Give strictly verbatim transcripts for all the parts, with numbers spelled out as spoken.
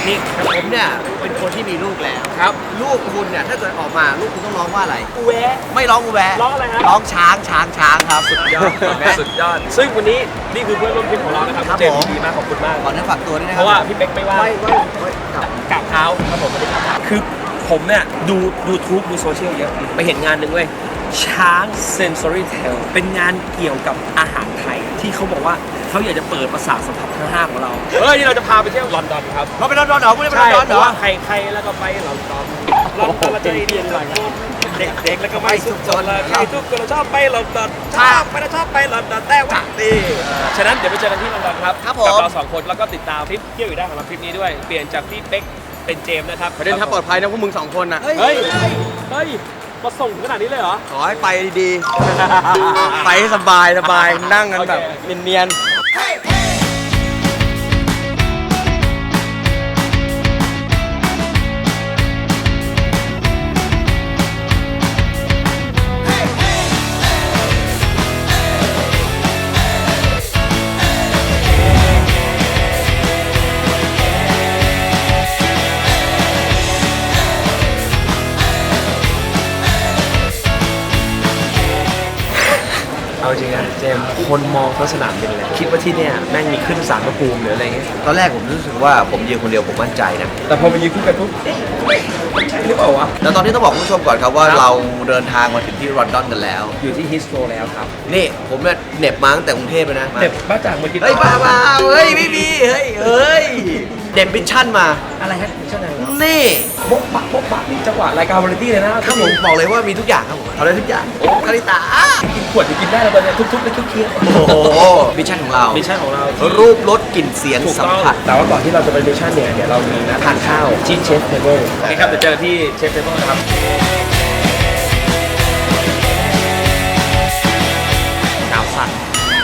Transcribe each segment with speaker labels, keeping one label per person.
Speaker 1: นี่
Speaker 2: ผมเนี่ยเป็นคนที่มีลูกแล้วครับลูกคุณเนี่ยถ้าเกิดออกมาลูกคุณต้องร้องว่าอะไร
Speaker 1: อูแวะ
Speaker 2: ไม่ร้องอูแวะ
Speaker 1: ร้องอะไรฮะ
Speaker 2: ร้องช้างช้างช้างครับ
Speaker 1: สุดยอดสุดยอดซึ่งวันนี้นี่คือเพื่อนร่วมทีมของเรานะครับเจมส์ดีมากขอบคุณมาก
Speaker 2: ขอเนื้อฝากตัวด้วยนะค
Speaker 1: รับเพราะว่าพี่เป๊กไม่ว่า
Speaker 2: ไม่ไม่
Speaker 1: กราบเท้าครับผมไม่ได้กราบเท้าคือผมเนี่ยดูยูทูบดูโซเชียลเยอะไปเห็นงานหนึ่งเว้ยช้าง Sensory Tale เป็นงานเกี่ยวกับอาหารไทยที่เขาบอกว่าเขาอยากจะเปิดประสาทสัมผัสทั้งห้าของเราเฮ้ยนี่เราจะพาไปเที่ยวลอนดอนครับ
Speaker 2: เราไปลอนดอนเหรอไม่ได้ไปลอนดอนเหรอ
Speaker 1: ใครใครแล้วก็ไปลอนดอนลอนดอนเราจะเรียนอะไรเด็กๆแล้วก็ไม่สุขสนเลยใครทุกคนเราชอบไปลอนดอนชอบไปเราชอบไปลอนดอนแต่ว่าดีฉะนั้นเดี๋ยวไปเจอกันที่ลอนดอนครับกับเราสองคนแล้วก็ติดตามคลิปเที่ยวอยู่ได้ของเราคลิปนี้ด้วยเปลี่ยนจากพี่เป๊กเป็นเจมส์นะครับ
Speaker 2: ประเด็นถ้าปลอดภัยนะพวกมึงสองคนนะ
Speaker 1: เฮ้ยเฮ้ยมาส่งขนาดนี้เลยเหรอ
Speaker 2: ขอให้ไปดีๆไปให้สบายสบายนั่งกันแบบเนียนๆ
Speaker 1: เอาจริงนะเจมคนมองเขาสนามบินเลยคิดว่าที่เนี่ยแม่งมีขึ้นศาลพระภูมิหรืออะไรเงี้ย
Speaker 2: ตอนแรกผมรู้สึกว่าผมยืนคนเดียวผมมั่นใจนะ
Speaker 1: แต่พอมายืนคู่กันปุ๊บเอ๊ะใช่หรือเปล่าวะ
Speaker 2: แล้วตอนนี้ต้องบอกคุณผู้ชมก่อนครับว่าเราเดินทางมาถึงที่ลอนดอนกันแล้ว
Speaker 1: อยู่ที่ฮิสโตรแล้วครับ
Speaker 2: นี่ผมเนี่ยเหน็บมาตั้งแต่กรุงเทพเลยนะ
Speaker 1: เหน็บบ้าจากเมื่อกี้
Speaker 2: เฮ้ยบ้าบ้าเฮ้ยไม่มีเฮ้ยเฮ้ยเด็บมิชชั่นมา
Speaker 1: อะไรฮะมิชชั่นอะไร
Speaker 2: นี่
Speaker 1: โบ๊ะบะโบ๊ะบะนี่จังหวะรายการวาไรตี้เลยนะครับ
Speaker 2: ผมบอกเลยว่ามีทุกอย่างครับผมทำได้ทุกอย่างโอ้คาริตา
Speaker 1: กินขวดจะกินได้แล้วตอนนี้ทุกๆในทุกเคียง
Speaker 2: โอ้โหมิชชั่นของเรา
Speaker 1: มิชชั่นของเรา
Speaker 2: รูปรสกลิ่นเสียงสัมผัส
Speaker 1: แต่ว่าก่อนที่เราจะไปมิชชั่นเนี่ยเดี๋ยวเรามีนะทานข้าวที่เชฟเทเบิลโอเคครับเดี๋ยวเจอที่เชฟเทเบิลนะครับกาวสั่น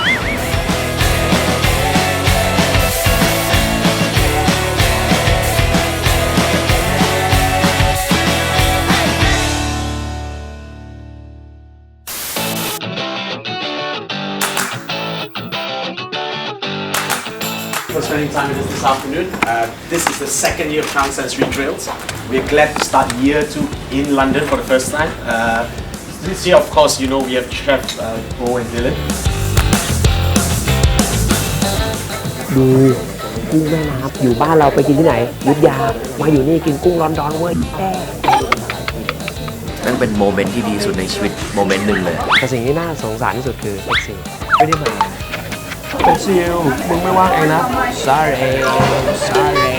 Speaker 3: For spending time with us this afternoon. Uh, this is the second year of Sound Sensory Drills. We're glad to start year two in London for the first time. Uh, this year, of course, you know we have Chef uh, Bo and Dylan.
Speaker 1: ดูกุ้งแม่น้ำอยู่บ้านเราไปกินที่ไหนยุทธยามาอยู่นี่กินกุ้งลอนดอนเว้ย
Speaker 2: นั่นเป็นโมเมนต์ที่ดีสุดในชีวิตโมเมนต์หนึ่งเลย
Speaker 1: แต่สิ่งที่น่าสงสารที่สุดคือเอ็กซิลไม่ได้มาเป็นซิลมึงไม่ว่างเองนะ sorry sorry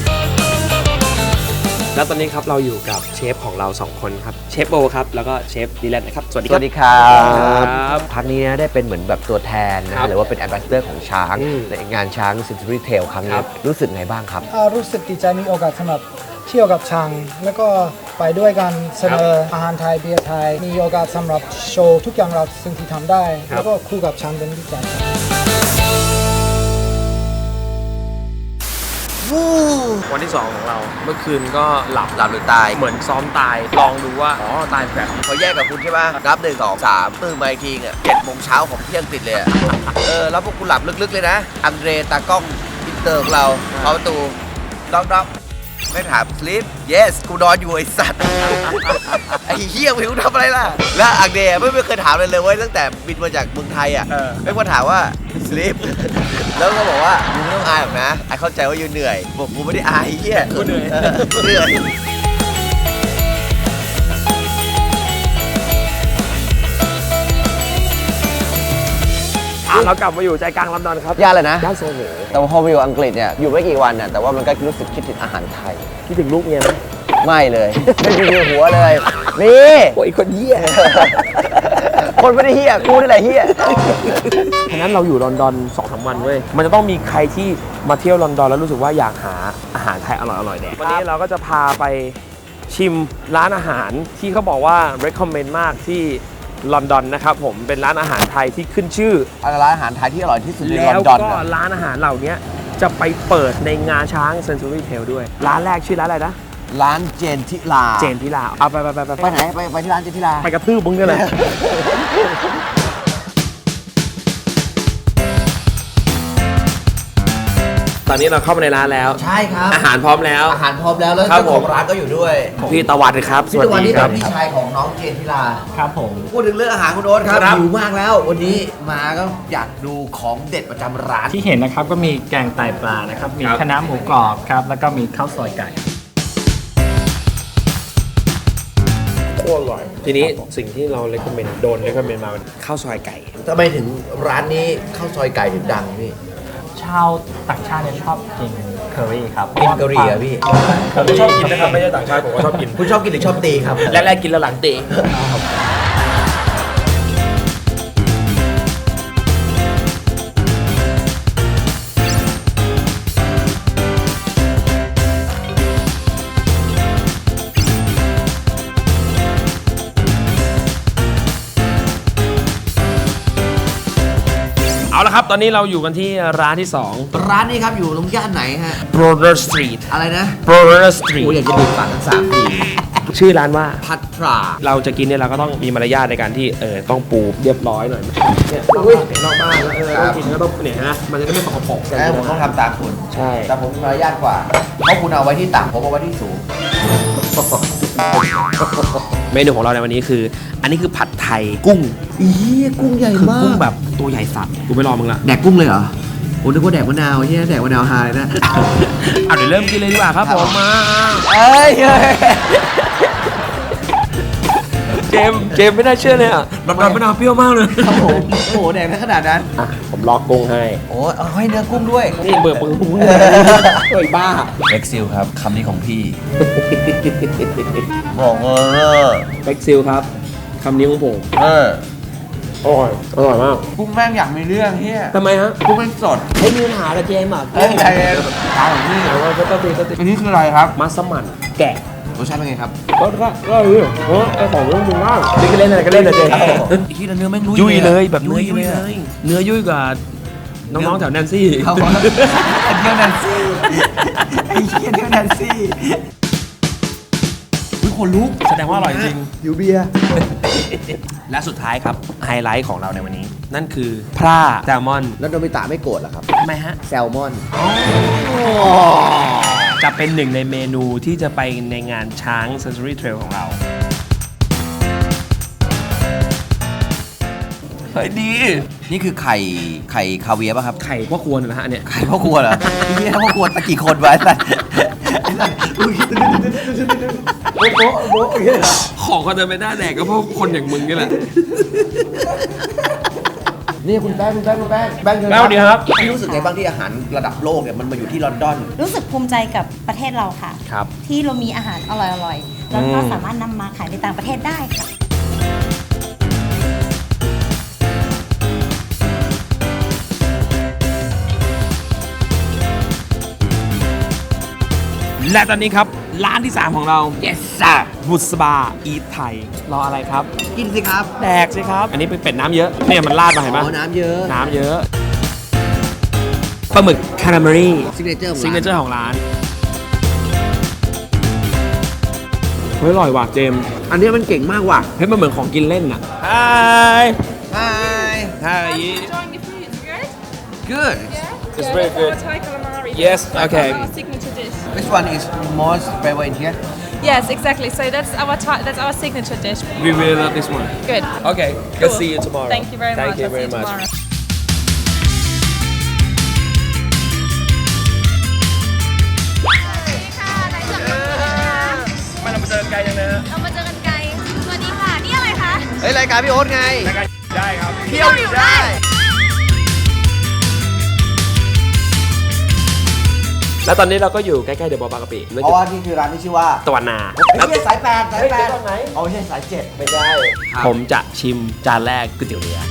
Speaker 1: แล้วตอนนี้ครับเราอยู่กับเชฟของเราสองคนครับเชฟโบครับแล้วก็เชฟดีแลนนะครับสวัสดีครับ
Speaker 2: สวัสดีครับพักนี้นะได้เป็นเหมือนแบบตัวแทนนะหรือว่าเป็นแอมบาสเดอร์ของช้างในงานช้าง Sensory Tale ครั้งนี้รู้สึกไงบ้างครับ
Speaker 4: รู้สึกดีใจมีโอกาสสำหรับเที่ยวกับช้างแล้วก็ไปด้วยกันเสนออาหารไทยเบียร์ไทยมีโอกาสสำหรับโชว์ทุกอย่างเราสิ่งที่ทำได้แล้วก็คู่กับช้างเป็นดีใจ
Speaker 1: วันที่สองของเราเมื่อคืนก็หลับ
Speaker 2: หลับหรือตาย
Speaker 1: เหมือนซ้อมตายลองดูว่าอ๋อตายแบบ
Speaker 2: เขาแยกกับคุณใช่ป่ะนับหนึ่งสองสามตื่นมาอีกทีอ่ะเจ็ดโมงเช้าของเที่ยงติดเลยเออแล้วพวกคุณหลับลึกๆเลยนะอังเดรตากล้องอินเตอร์ของเราเข้าประตูด็อกด็อกไม่ถาม sleep yes กูนอนอยู่ไอ้สัตว์ไอ้เหี้ยไม่รู้ทำอะไรล่ะแล้วอังเดรไม่ไม่เคยถามเลยเลยเว้ยตั้งแต่บินมาจากเมืองไทยอ่ะไม่มาถามว่า sleep แล้วก็บอกว่ามึงไม่ต้องอายหรอกนะไอเข้าใจว่าอยู่เหนื่อยบอกกูไม่ได้อายเหี้ย
Speaker 1: กูเหนื่อย
Speaker 2: เหนื่อย
Speaker 1: เรากลับมาอยู่ใจกลางลอนดอนครับ
Speaker 2: ย่านอะไรนะ
Speaker 1: ย่านโซโห
Speaker 2: แต่ว่าพอมาอยู่อังกฤษเนี่ยอยู่ไม่กี่วันน่ะแต่ว่ามันก็รู้สึกคิดถึงอาหารไทย
Speaker 1: คิดถึงลูกเนี่ยไหม
Speaker 2: ไม่เลยไม่มีหัวเลยนี่
Speaker 1: โอ้ยคนเหี้ย
Speaker 2: คนไม่ได้เหี้ยกูนี่แหละเหี้ย
Speaker 1: ฉะนั้นเราอยู่ลอนดอน สองถึงสาม วันเว้ยมันจะต้องมีใครที่มาเที่ยวลอนดอนแล้วรู้สึกว่าอยากหาอาหารไทยอร่อยๆแดกวันนี้เราก็จะพาไปชิมร้านอาหารที่เขาบอกว่า recommend มากที่ลอนดอนนะครับผมเป็นร้านอาหารไทยที่ขึ้นชื่อ
Speaker 2: ร้านอาหารไทยที่อร่อยที่สุดในลอนดอน
Speaker 1: แล้วก็ร้านอาหารเหล่านี้จะไปเปิดในงานช้าง Sensory Tale ด้วยร้านแรกชื่อร้านอะไรนะ
Speaker 2: ร้านเจนทิลา
Speaker 1: เจนทิลาเอาไปไปไป
Speaker 2: ไปไหนไปไปที่ร้านเจนทิลา
Speaker 1: ไปกระทืบมึงเนี่ยแหละตอนนี้เราเข้ามาในร้านแล้ว
Speaker 2: ใช่ครับ
Speaker 1: อาหารพร้อมแล้ว
Speaker 2: อาหารพร้อมแล้วแล้ว
Speaker 1: ครับ
Speaker 2: เจ้าของ
Speaker 1: ผม
Speaker 2: ร้านก็อยู่ด้วย
Speaker 1: พี่ตะวันครับ
Speaker 2: พี่ตะวันนี่
Speaker 1: ค
Speaker 2: เป็
Speaker 1: รั
Speaker 2: นพี่ชายของน้องเจนทิลา
Speaker 5: ครับผม
Speaker 2: พูดถึงเรื่องอาหารคุณโอ๊ตครับ
Speaker 1: ครับ
Speaker 2: หิวมากแล้ว วันนี้มาก็อยากดูของเด็ดประจำร้าน
Speaker 5: ที่เห็นนะครับก็มีแกงไตปลานะครับ มี
Speaker 1: ครับ
Speaker 5: คะน้าหมูกรอบครับ แล้วก็มีข้าวซอยไก่
Speaker 1: โคตรอร่อย ทีนี้สิ่งที่เราเลคคอมเมนต์โดนเลคคอมเมนต์มาเป็นข้าวซอยไก่
Speaker 2: ทำไมถึงร้านนี้ข้าวซอยไก่ถึงดังพี่
Speaker 5: ชาวต่างชาติเนี่ยชอบกินเคอรี่ครับ
Speaker 2: กินกะหรี่อะพี่
Speaker 1: ผมชอบกินนะครับ ไม่ใช่ต่างชาติผมก็ชอบกิน
Speaker 2: คุณชอบกินหรือชอบตีครับ
Speaker 1: แรกๆกินแล้วหลังเตะ เอาละครับ ตอนนี้เราอยู่กันที่ร้านที่สอง
Speaker 2: ร้านนี้ครับอยู่ตรงย่านไหนฮะ
Speaker 1: Brother Street
Speaker 2: อะไรนะ
Speaker 1: Brother
Speaker 2: โอ้
Speaker 1: Street
Speaker 2: อยากจะดูปากทั้งสามที
Speaker 1: ชื่อร้านว่า
Speaker 2: พัทรา
Speaker 1: เราจะกินเนี่ยเราก็ต้องมีมารยาทในการที่เออต้องปูเรียบร้อยหน่อยเนี่ยนอกบ้านแล้วเออต้องกินก็ต้องเนี่ยนะมันจะได้ไม่สกปรก
Speaker 2: แล้วผมต้องทำตามคุณ
Speaker 1: ใช่
Speaker 2: แต่ผมมีมารยาทกว่า เพราะคุณเอาไว้ที่ต่ำผมเอาไว้ที่สูง
Speaker 1: เมนูของเราในวันนี้คือ อันนี้คือผัดไทยกุ้ง
Speaker 2: อีกุ้งใหญ่
Speaker 1: คือ
Speaker 2: มาก
Speaker 1: กุ้งแบบตัวใหญ่สัตว์กูไม่รอมึงละ
Speaker 2: แดกกุ้งเลยเหรอผมนึกว่าแดกมะนาวที่แดกมะนาวฮาเลยนะ
Speaker 1: เอาเดี๋ยวเริ่มกินเลยดีกว่าครับผมมา
Speaker 2: เอ้ย
Speaker 1: เจมส์เจมส์ไม่น่าเชื่อเลยอ่ะน้ำมะนาวเปรี้ยวมากเลย
Speaker 2: ครับผมโอ้โหแดกได้ขนาดนั้น
Speaker 1: อ่ะผมลอกกุ้งให้
Speaker 2: โอ้ยเอาให้เนื้อกุ้งด้วย
Speaker 1: นี่เบิร์ปึงกุ้งเลยเฮ้ยบ้า
Speaker 2: เล็กซิลครับคำนี้ของพี่บอกเออ
Speaker 1: เบ็กซิลครับคำนี้ของผม
Speaker 2: เออ
Speaker 1: อร่อยอร่อยมาก
Speaker 2: กุ้งแม่งอยากมีเรื่องเฮีย
Speaker 1: ทำไมฮะ
Speaker 2: กุ้งแม่งสด
Speaker 1: ให้มีปัญหาละเจมส์อ่ะ
Speaker 2: เอ้ยใจเย็นทางของพี่
Speaker 1: แต่ว่าก็ต้องตีก็ตี
Speaker 2: อันนี้คืออะไรครับ
Speaker 1: มัสมั่นแกะ
Speaker 2: รสชาติเป็นไงครับ
Speaker 1: ก็ก็ก็เออเออไอของเรื่องมึงมากนี่ก็เล่นอะไรก็เล่นนะเจ
Speaker 2: อีกทีละเนื้อแม่ง
Speaker 1: ยุ่ยเลยแบบ
Speaker 2: ยุ่
Speaker 1: เนื้อย ยุ่ย
Speaker 2: เลย
Speaker 1: เลยเนื้อยุ่ยกว่าน้องๆแถวแนนซี่
Speaker 2: เขาบอกว่าเที่ยวแนนซี่ไอ้เหี้ยเที่ยวแนนซี่อุ้ยขนลุก
Speaker 1: แสดงว่าอร่อยจริง
Speaker 2: อยู่เบียร์
Speaker 1: และสุดท้ายครับไฮไลท์ของเราในวันนี้ นั่นคือพร่าแซลมอน
Speaker 2: แล้วโดมิตะไม่โกรธเหรอครับ
Speaker 1: ทำไมฮะ
Speaker 2: แซลมอน
Speaker 1: จะเป็นหนึ่งในเมนูที่จะไปในงานช้าง Century Trail ของเราเฮ้ยดี
Speaker 2: นี่คือไข่ไข่คาเวียร์ป่ะครับ
Speaker 1: ไข่พ่อครัวนะฮะเนี่ย
Speaker 2: ไข่พ่อครัวเหรอพี่พ่อครัวตะกี่คนไว้สัตว์โบ๊ะโบ๊ะโบ๊ะอย่างเงี้ยเหรอ
Speaker 1: ของเขาจะไม่ได้แดกก็เพราะคนอย่างมึงนี่แหละ
Speaker 2: นี่คุณแป้งคุณแป้งคุณแป้งแป้งเชิญ
Speaker 1: แป้งดีครับ
Speaker 2: พี่รู้สึกไงบ้างที่อาหารระดับโลกเนี่ยมันมาอยู่ที่ลอนดอน
Speaker 6: รู้สึกภูมิใจกับประเทศเราค่ะ
Speaker 1: ครับ
Speaker 6: ที่เรามีอาหารอร่อยๆ แล้วก็สามารถนำมาขายในต่างประเทศได้ค่ะ
Speaker 1: และตอนนี้ครับ ร้านที่ สาม ของเรา yes sir บุษบาอีทไทยรออะไรครับ
Speaker 2: กินสิครับ
Speaker 1: แดกสิครับ อันนี้เป็นเป็ดน้ำเยอะ เนี่ยมันราดมาเห็น
Speaker 2: อ๋
Speaker 1: ปะ
Speaker 2: อน้ำเยอะ
Speaker 1: น้ำเยอะปลาหมึกคาราเมลลี่
Speaker 2: ซิกเนเจอร์ของ
Speaker 1: ซิกเน
Speaker 2: ร้าน
Speaker 1: เจอร์ของร้าน เฮ้ยอร่อยว่ะเจมส์
Speaker 2: อันนี้มันเก่งมากว่ะ
Speaker 1: เฮ้ยมันเหมือนของกินเล่นอ่ะ Hi
Speaker 2: ใช่
Speaker 1: Hi
Speaker 7: Enjoying the food, it's good.
Speaker 2: good
Speaker 7: Yeah.
Speaker 1: It's
Speaker 7: Yeah,
Speaker 1: very
Speaker 7: that's
Speaker 1: good.
Speaker 7: our Thai calamari.
Speaker 1: Yes,
Speaker 7: That's
Speaker 1: okay.
Speaker 7: our signature dish.
Speaker 2: which one is most favorite here
Speaker 7: Yes, exactly. So that's our Thai, that's our signature dish.
Speaker 1: We really love this one
Speaker 7: Good.
Speaker 1: Okay
Speaker 7: Cool.
Speaker 1: let's see you tomorrow
Speaker 7: Thank you very
Speaker 1: Thank
Speaker 7: much.
Speaker 1: you
Speaker 7: I'll
Speaker 1: very
Speaker 7: see you
Speaker 1: much
Speaker 7: tomorrow.
Speaker 1: ไม่เรามาเจอไกลจังเลยฮะ
Speaker 8: เรามาเจอกันไกล สวัสดีค่ะ นี่อะไรคะ
Speaker 2: เฮ้ยรายการพี่โอ๊ตไง
Speaker 1: ได้ครับ
Speaker 8: เที่ยวอยู่ได้
Speaker 1: แล้วตอนนี้เราก็อยู่ใกล้ๆเดอะบอลบางกะปิ
Speaker 2: เพราะว่านี่คือร้านที่ชื่อว่า
Speaker 1: ตะวันนา
Speaker 2: ไม่ใช่สายแปดสายแปด
Speaker 1: เฮ้ยเดี๋ยวก่อนไหน
Speaker 2: เอาไม่ใช่สายเจ็ด
Speaker 1: ไม่ใช่ผมจะชิมจานแรกก๋วยเตี๋ยวเรือ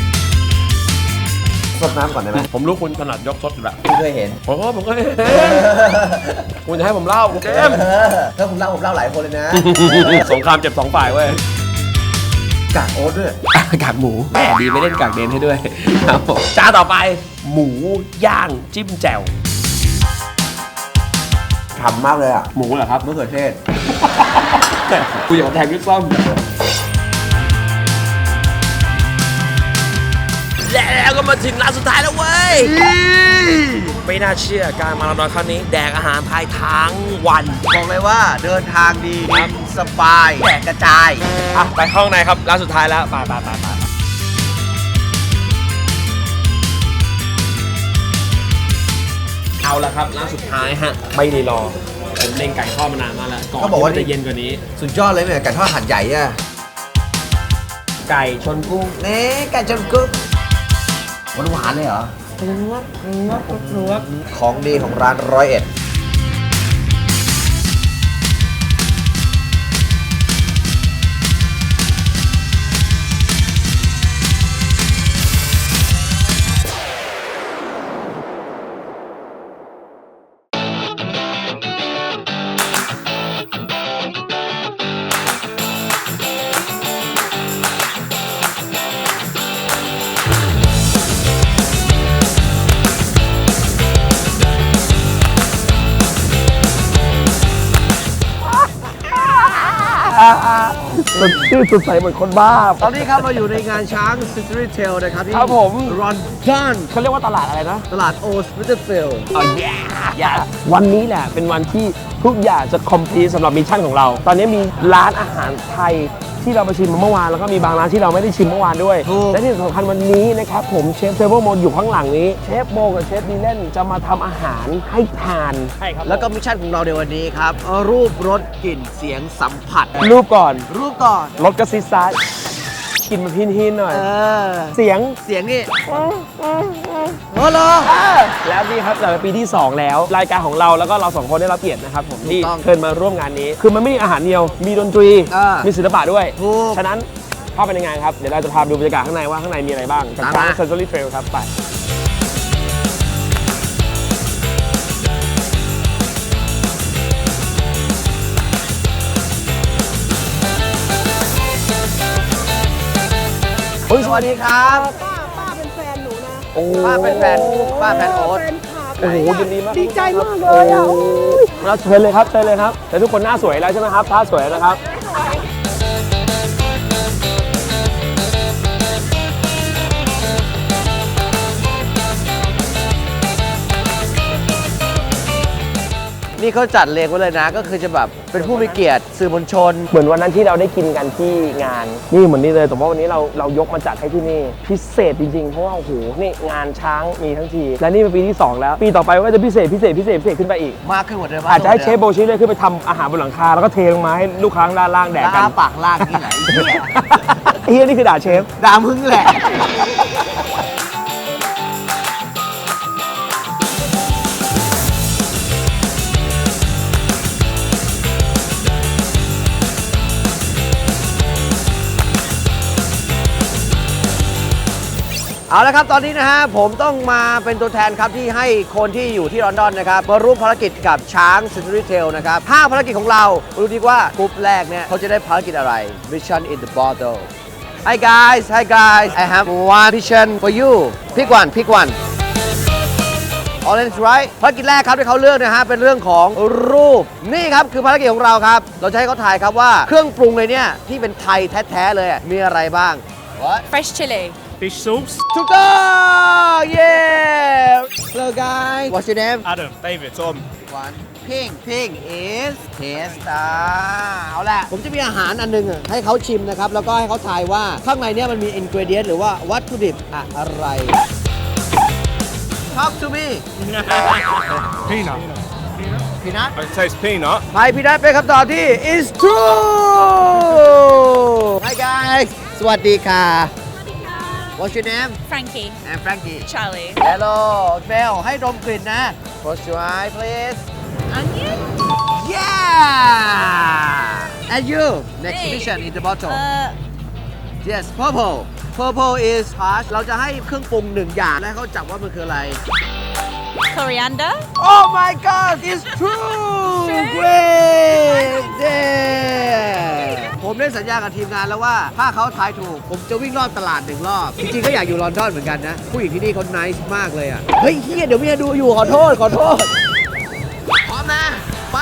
Speaker 2: สดน้ำก่อนได้ไหม
Speaker 1: ผมรู้คุณถนัดยกซดอยู่แล้ว
Speaker 2: ไม่เคยเห็น
Speaker 1: ผมก็ผมก็เห็นคุณจะให้ผมเล่าเจมส์
Speaker 2: เออถ้าผมเล่าผมเล่าหลายคนเลยนะ
Speaker 1: สงครามเจ็บสองฝ่ายเว้ย
Speaker 2: กากโอ๊ตด้วย
Speaker 1: กากหมูแหมดีไม่เล่นกากเดนให้ด้วยครับผมจานต่อไป หมูย่างจิ้มแจ่ว
Speaker 2: ฉ่ำมากเลยอ่ะ
Speaker 1: หมูเหรอครับ
Speaker 2: มะเขือเทศ
Speaker 1: กูอยากแทงด้วยซ่อมแล้วก็มาถึงร้านร้านสุดท้ายแล้วเว้ยไม่น่าเชื่อการมาลอนดอนครั้งนี้แดกอาหารไทยทั้งวัน
Speaker 2: บอกเลยว่าเดินทางดีสบายแดกกระจาย
Speaker 1: อ่ะไปห้องในครับร้านสุดท้ายแล้วไปไปไปไปเอาละครับร้านสุดท้ายฮะไม่ได้รอผมเล็งไก่ทอดมานานมากแล้วก่อน
Speaker 2: เขาบอกว่า
Speaker 1: ที่มันจะเย็นกว่านี้
Speaker 2: สุดยอดเลยเนี่ยไก่ทอดหัดใหญ่อะ
Speaker 1: ไก่ชนกุ้ง
Speaker 2: เน่ไก่จนกึ๊บหวานหวานๆเลยเหรอของดีของร้านร้อยเอ็ด
Speaker 1: สดชื่นสดใสเหมือนคนบ้า
Speaker 2: ตอนนี้ครับเราอยู่ในงานช้าง Century Tale นะครับที่
Speaker 1: ครับผม
Speaker 2: รอนดอน
Speaker 1: เขาเรียกว่าตลาดอะไรนะ
Speaker 2: ตลาดโอสวิตเตอร์ฟิลด์
Speaker 1: อ๋อ yeah วันนี้แหละเป็นวันที่ทุกอย่างจะคอมพลีทสำหรับมิชชั่นของเรา ตอนนี้มีร้านอาหารไทยที่เราไปชิมมาเมื่อวานแล้วก็มีบางร้านที่เราไม่ได้ชิมเมื่อวานด้วย และที่สำคัญวันนี้นะครับผมเชฟเทเบิลโมอยู่ข้างหลังนี้เชฟโบกับเชฟดีเล่นจะมาทำอาหารให้ทานใช่ครับ
Speaker 2: แล้วก็มิชชั่นของเราในวันนี้ครับ รูปรสกลิ่นเสียงสัมผัส
Speaker 1: รูปก่อน
Speaker 2: รูปก่อน
Speaker 1: รสกระซิบซ้ายกินมาพินหินหน่อย
Speaker 2: เออ
Speaker 1: เสียง
Speaker 2: เสียงนี่โอ้โห
Speaker 1: แล้วนี่ครับแต่เป็นปีที่ สอง แล้ว รายการของเราแล้วก็เราสองคนได้รับเกียรตินะครับผมที่
Speaker 2: ถูกต้อง
Speaker 1: เชิญมาร่วมงานนี้ คือมันไม่มีอาหารเดียว มีดนตรี
Speaker 2: อ่ามี
Speaker 1: มีศิลปะด้วย
Speaker 2: ถูก
Speaker 1: ฉะนั้นเข้าไปในงานครับ เดี๋ยวเราจะพาไปดูบรรยากาศข้างในว่าข้างในมีอะไรบ้างกับ
Speaker 2: ตาม
Speaker 1: ช้าง
Speaker 2: มา
Speaker 1: เซนซอรี่เทรลครับไปเฮ้ยสวัสดีครับ
Speaker 9: ป้าป้าเป็นแฟนหนูนะ
Speaker 1: โอ้
Speaker 2: ป้าเป็นแฟนป้าแฟนโอ๊ต
Speaker 9: แฟนคลับ
Speaker 1: โอ้โหยินดีมาก
Speaker 9: ดีใจมากเลยอ่ะ
Speaker 1: เราเชิญเลยครับเชิญเลยครับแต่ทุกคนหน้าสวยแล้วใช่ไหมครับท่าสวยนะครับ
Speaker 2: นี่เขาจัดเรียงไว้เลยนะ ก็คือจะแบบเป็นผู้มีเกียรติสื่อมวลชน
Speaker 1: เหมือนวันนั้นที่เราได้กินกันที่งานนี่เหมือนนี่เลยแต่ว่าวันนี้เราเรายกมาจัดให้ที่นี่พิเศษจริงๆเพราะว่าโอ้โหนี่งานช้างมีทั้งทีและนี่เป็นปีที่สองแล้วปีต่อไปก็จะพิเศษพิเศษพิเศษพิเศษขึ้นไปอีก
Speaker 2: มากขึ้นกว่าเดิม
Speaker 1: อาจจะให้เชฟโบชิเลยขึ้นไปทำอาหารบนหลังคาแล้วก็เทลงมาให้ลูกค้าด้านล่างแดกกัน
Speaker 2: ด่าปากล่างที่ไหนเหี้ย
Speaker 1: เฮียนี่คือด่าเชฟ
Speaker 2: ด่ามึงแหละ เอาละครับตอนนี้นะฮะผมต้องมาเป็นตัวแทนครับที่ให้คนที่อยู่ที่ลอนดอนนะครับมาร่วมภารกิจกับช้าง Century Tale นะครับห้าภารกิจของเรามาดูดีว่ากรุ๊ปแรกเนี่ยเขาจะได้ภารกิจอะไร Mission in the Bottle Hi guys Hi guys I have one mission for you pick one pick one Orange right ภารกิจแรกครับที่เขาเลือกนะฮะเป็นเรื่องของรูปนี่ครับคือภารกิจของเราครับเราจะให้เขาถ่ายครับว่าเครื่องปรุงเลยเนี่ยที่เป็นไทยแท้ๆเลยมีอะไรบ้าง What
Speaker 7: Fresh chili.
Speaker 3: Fish soups.
Speaker 2: ถูกต้อง เย้ Hello guys What's your name
Speaker 3: Adam, David, Tom.
Speaker 2: One Pink Pink is Testa เอาล่ะ ผมจะมีอาหารอันหนึงอะให้เขาชิมนะครับ แล้วก็ให้เขาทายว่าข้างในเนี้มันมี ingredient หรือว่าวัตถุดิบอะไร Talk to me
Speaker 3: Peanut.
Speaker 2: Peanut
Speaker 3: It tastes peanut.
Speaker 2: ไทยพีนัทเป็นคำตอบที่ is true Hi guys สวัสดีค่ะ What's your name
Speaker 7: Frankie.
Speaker 2: I'm Frankie
Speaker 7: Charlie.
Speaker 2: Hello เบลให้ดมกลิ่นนะ Close your eye please
Speaker 7: Onion?
Speaker 2: Yeah And you next
Speaker 7: Hey.
Speaker 2: mission in the bottle
Speaker 7: Uh,
Speaker 2: Yes purple Purple is harsh เราจะให้เครื่องปรุงหนึ่งอย่างและให้เขาจับว่ามันคืออะไร
Speaker 7: coriander?
Speaker 2: Oh my god it's true Great yeah ผมได้สัญญากับทีมงานแล้วว่าถ้าเขาทายถูก ผมจะวิ่งรอบตลาดหนึ่งรอบ จริงๆก็อยากอยู่ลอนดอนเหมือนกันนะ ผู้หญิงที่นี่เขา nice มากเลยอ่ะ เฮ้ยเฮียเดี๋ยวเมียดูอยู่ขอโทษ ขอโทษ พร้อมนะ ไป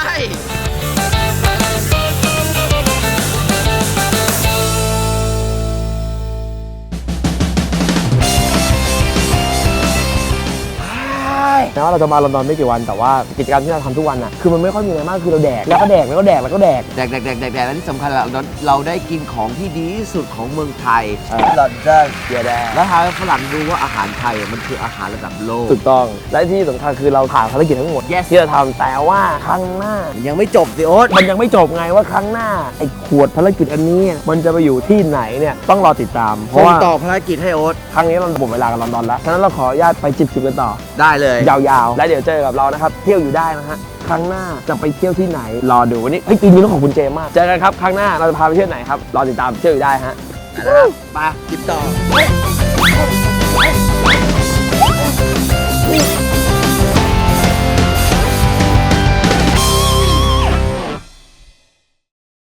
Speaker 10: แม้ว่าเราจะมาลอนดอนไม่กี่วันแต่ว่ากิจกรรมที่เราทำทุกวันอ่ะคือมันไม่ค่อยมีอะไรมากคือเราแดกแล้วก็แดกแล้วก็แดกแล้วก็แดก
Speaker 2: แดกแดกแดกแดกแดกและที่สำคัญเราเราได้กินของที่ดีที่สุดของเมืองไทยลอนดอนเดียแดงแล้วทำให้ฝรั่งดูว่าอาหารไทยมันคืออาหารระดับโลก
Speaker 10: ถูกต้องและที่สำคัญคือเราผ่านภารกิจทั้งหมด yes ที่เราทำแต่ว่าครั้งหน้า
Speaker 2: ยังไม่จบสิโอ๊ต
Speaker 10: มันยังไม่จบไงว่าครั้งหน้าไอ้ขวดภารกิจอันนี้มันจะไปอยู่ที่ไหนเนี่ยต้องรอติดตามเพ
Speaker 2: ส่
Speaker 10: ราะ
Speaker 2: ง
Speaker 10: ว่า
Speaker 2: ต่อภารกิจให้โอ๊ต
Speaker 10: ครั้งนี้เราหมดเวลากับลอนดอนแล้วฉะนั้นเราขออนุญาตไปจิบๆกันต่อ
Speaker 2: ได้เลย
Speaker 10: ยาวๆและเดี๋ยวเจอกับเรานะครับเที่ยวอยู่ได้นะฮะครั้งหน้าจะไปเที่ยวที่ไหนรอดูวันนี้เฮ้ยปีนี้ต้องขอบคุณเจมากเจอกันครับครั้งหน้าเราจะพาไปเที่ยวไหนครับรอติดตามเที่ยวอยู่ได้ฮะ
Speaker 2: นะครับไปติดต่อ